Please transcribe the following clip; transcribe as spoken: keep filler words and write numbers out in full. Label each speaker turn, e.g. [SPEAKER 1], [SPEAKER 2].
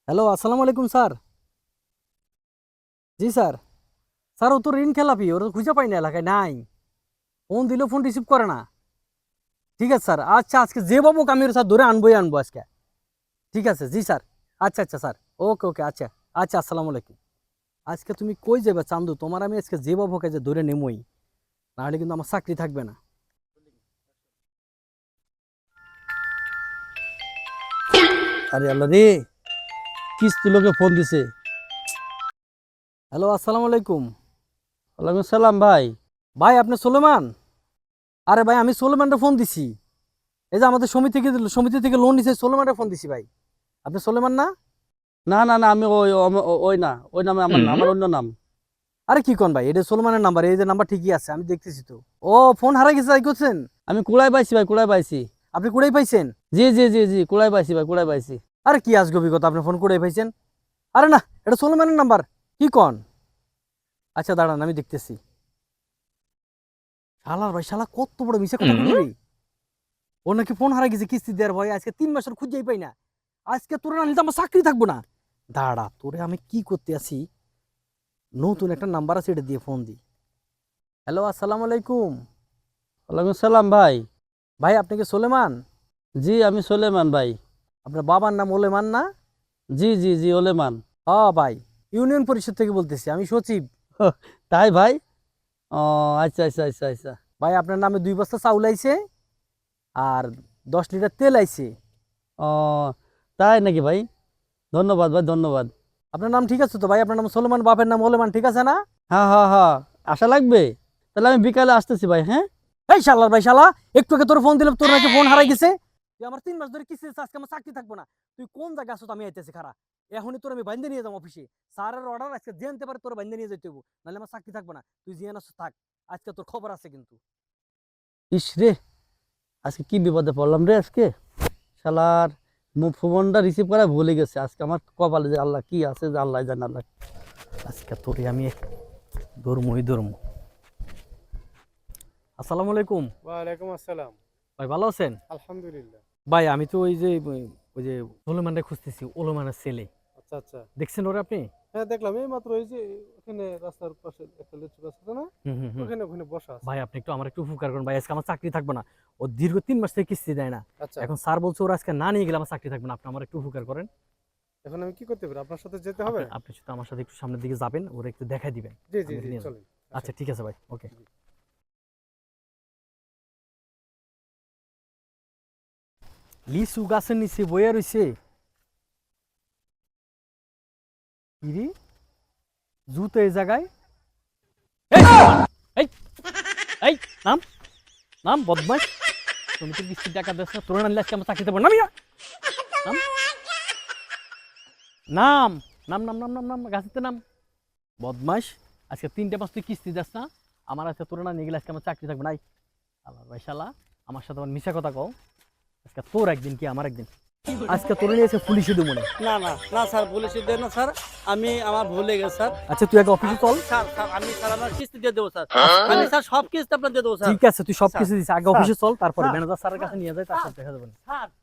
[SPEAKER 1] Hello, আসসালামু আলাইকুম sir. জি স্যার। স্যার ও তো ঋণ খেলাপি, ওর তো খুঁজে পাই না, এলাকায় নাই। ফোন দিলেও ফোন রিসিভ করে না। ঠিক আছে স্যার, আচ্ছা আজকে যে বাবু আমি ওর স্যার ধরে আনবোই আনবো আজকে। ঠিক আছে, জি স্যার। আচ্ছা আচ্ছা স্যার। ওকে ওকে, আচ্ছা। আচ্ছা, আসসালামু আলাইকুম। আজকে তুমি কই যাবে চান্দু? তোমার আমি আজকে যে বাবুকে যে ধরে নেমই, নাহলে কিন্তু আমার চাকরি থাকবে না।
[SPEAKER 2] আরে আল্লাহ রে, কিস্তি লোকে ফোন দিছে।
[SPEAKER 1] হ্যালো, আসসালামু আলাইকুম।
[SPEAKER 2] ওয়ালাইকুম সালাম ভাই।
[SPEAKER 1] ভাই আপনি সোলেমান? আরে ভাই, আমি সোলেমানটা ফোন দিছি। এই যে আমাদের সমিতি থেকে সমিতি থেকে লোন নিছে, সোলেমানটা ফোন দিছি ভাই। আপনি সোলেমান না?
[SPEAKER 2] না না না, আমি ওই ওম- ও- ওই না, ওই নামে আমার না, আমার অন্য নাম।
[SPEAKER 1] আরে কি কোন ভাই, এটা সোলেমানের নাম্বার, এই যে নাম্বার ঠিকই আছে, আমি দেখতেছি তো। ও, ফোন হারাই গেছে তাই করছেন?
[SPEAKER 2] আমি কুড়াই পাইছি ভাই, কুড়াই পাইছি।
[SPEAKER 1] আপনি কুড়াই পাইছেন?
[SPEAKER 2] জি জি জি জি, কুড়াই পাইছি ভাই, কুড়াই পাইছি।
[SPEAKER 1] আরে কি আজগবি কথা, আপনি ফোন কুড়াই পাইছেন? আরে না, এটা সোলেমানের নাম্বার। কি কন? আচ্ছা দাঁড়ান, আমি দেখতেছি। শালার ভাই, শালা কত বড় মিশা কথা বলি রে। ও নাকি ফোন হারাই গেছে কিস্তি দেওয়ার ভয়, আজকে তিন মাসের খুঁজেই পাই না। আজকে তোরে না নিলে তো আমার চাকরি থাকবো না। দাঁড়া, তোরে আমি কি করতে আছি, নতুন একটা নাম্বার আছে, এটা দিয়ে ফোন দিই। হ্যালো, আসসালামু আলাইকুম।
[SPEAKER 2] ওয়ালাইকুম সালাম ভাই।
[SPEAKER 1] ভাই আপনি কি সোলেমান?
[SPEAKER 2] জি, আমি সোলেমান ভাই।
[SPEAKER 1] আপনার বাবার নাম ওলেমান না?
[SPEAKER 2] জি জি জি, ওলেমান।
[SPEAKER 1] হ্যাঁ ভাই, ইউনিয়ন পরিষদ থেকে বলতেছি, আমি সচিব।
[SPEAKER 2] হো, তাই ভাই? ও, আচ্ছা আচ্ছা আচ্ছা আচ্ছা।
[SPEAKER 1] ভাই আপনার নামে দুই বস্তা চাউল আইছে, আর দশ লিটার তেল আইছে।
[SPEAKER 2] ও, তাই নাকি ভাই? ধন্যবাদ ভাই, ধন্যবাদ।
[SPEAKER 1] আপনার নাম ঠিক আছে তো ভাই? আপনার নাম সোলেমান, বাপের নাম ওলেমান, ঠিক আছে না?
[SPEAKER 2] হ্যাঁ হ্যাঁ হ্যাঁ, আশা লাগবে। তাহলে আমি বিকালে আসতেছি ভাই, হ্যাঁ?
[SPEAKER 1] এই শালার ভাই, শালা একটু আগে তোর ফোন দিলাম, তোর নাকি ফোন হারাই গেছে। তুই আমার তিন মাস ধরে কিস্তি দিছিস, আজকে আমার চাকরি থাকবো না। তুই কোন জায়গায় আছো? আমি আইতেছি খারা। এখনই তোর আমি বাইন্দে নিয়ে যাবো অফিসে। স্যারের অর্ডার, আজকে জানতে পারে তোর বাইন্দে নিয়ে যেতে হইব, নাহলে আমার চাকরি থাকবো না। তুই জিয়ান আছো থাক, আজকে তোর খবর আছে কিন্তু।
[SPEAKER 2] ইস রে, আজকে কি বিপদে পড়লাম রে আজকে। শালার মো- ফোনটা রিসিভ করা ভুলে গেছে। আজকে আমার কপালে যে আল্লাহ কি আছে, যে আল্লাহ জানে। আল্লাহ।
[SPEAKER 1] আজকে তোরে আমি ধর্মই ধর্ম। আসসালামু আলাইকুম।
[SPEAKER 3] ওয়ালাইকুম আসসালাম।
[SPEAKER 1] ভাই ভালো আছেন?
[SPEAKER 3] আলহামদুলিল্লাহ।
[SPEAKER 1] ভাই আমি তো ওই যে ওই যে সোলেমানটা খুঁজতেছি, ওলেমানের ছেলে।
[SPEAKER 3] আচ্ছা আচ্ছা।
[SPEAKER 1] দেখছেন ওরে আপনি?
[SPEAKER 3] হ্যাঁ দেখলাম, এই মাত্র এই যে ওখানে রাস্তার পাশে একটা লিচু গাছ আছে না,
[SPEAKER 1] হুম হুম হুম।
[SPEAKER 3] ওখানে ওখানে বসা আছে।
[SPEAKER 1] ভাই আপনি একটু আমার একটু উপকার করুন ভাই, আজকে আমার চাকরি থাকবে না। ও দীর্ঘ তিন মাস থেকে কিস্তি দেয় না।
[SPEAKER 3] আচ্ছা,
[SPEAKER 1] এখন স্যার বলছে ওরা আজকে না নিয়ে গেলে আমার চাকরি থাকবে না, আপনি আমার একটু উপকার করেন।
[SPEAKER 3] এখন আমি কি করতে পারি? আপনার সাথে যেতে হবে?
[SPEAKER 1] আপনি আপনি শুধু আমার সাথে একটু সামনের দিকে যাবেন, ওরা একটু দেখাই দিবেন।
[SPEAKER 3] জি জি
[SPEAKER 1] আমি
[SPEAKER 3] জি,
[SPEAKER 1] নিয়ে যাবো।
[SPEAKER 3] চলেন।
[SPEAKER 1] আচ্ছা
[SPEAKER 3] আসেন।
[SPEAKER 1] ঠিক আছে ভাই, ওকে।
[SPEAKER 3] জি।
[SPEAKER 1] লিচু গাছের নিচে বইয়া রইছে। ইরি, জুতো এই জায়গায়। এই সোলেমান, এই এই নাম, নাম বদমাশ। তুমি তো কিস্তির টাকা দিচ্ছ না, তোর না নিলে আজকে আমার চাকরি দেবো না। নামি যা। নাম, নাম, নাম নাম নাম নাম নাম গাছেতে নাম। বদমাস, আজকে তিনটে পাঁচ তুই কিস্তি দিস না, আমার আজকে তোর না নিয়ে গেলে আজকে আমার চাকরি থাকবে নাই। আল্লাহ ভাই, শালা আমার সাথে আমার মিশা কথা কও। আজকে তোর একদিন কি আমার একদিন। আজকে তোর নিয়ে এসে পুলিশে দেবো মনে।
[SPEAKER 2] না না না স্যার, পুলিশে দেন না স্যার। আমি আমার ভুলে গেছে স্যার।
[SPEAKER 1] আচ্ছা তুই আগে অফিসে চল।
[SPEAKER 2] স্যার স্যার, আমি স্যার আমার কিস্তি দিয়ে দেবো স্যার। আমি স্যার সব কিস্তি আপনার দিয়ে দেবো স্যার।
[SPEAKER 1] ঠিক আছে, তুই সব কিছু দিস, আগে
[SPEAKER 2] স্যার,
[SPEAKER 1] অফিসে চল, তারপরে
[SPEAKER 2] স্যার,
[SPEAKER 1] ম্যানেজার স্যারের কাছে নিয়ে যায়, তারপর দেখা যাবে।
[SPEAKER 2] স্যার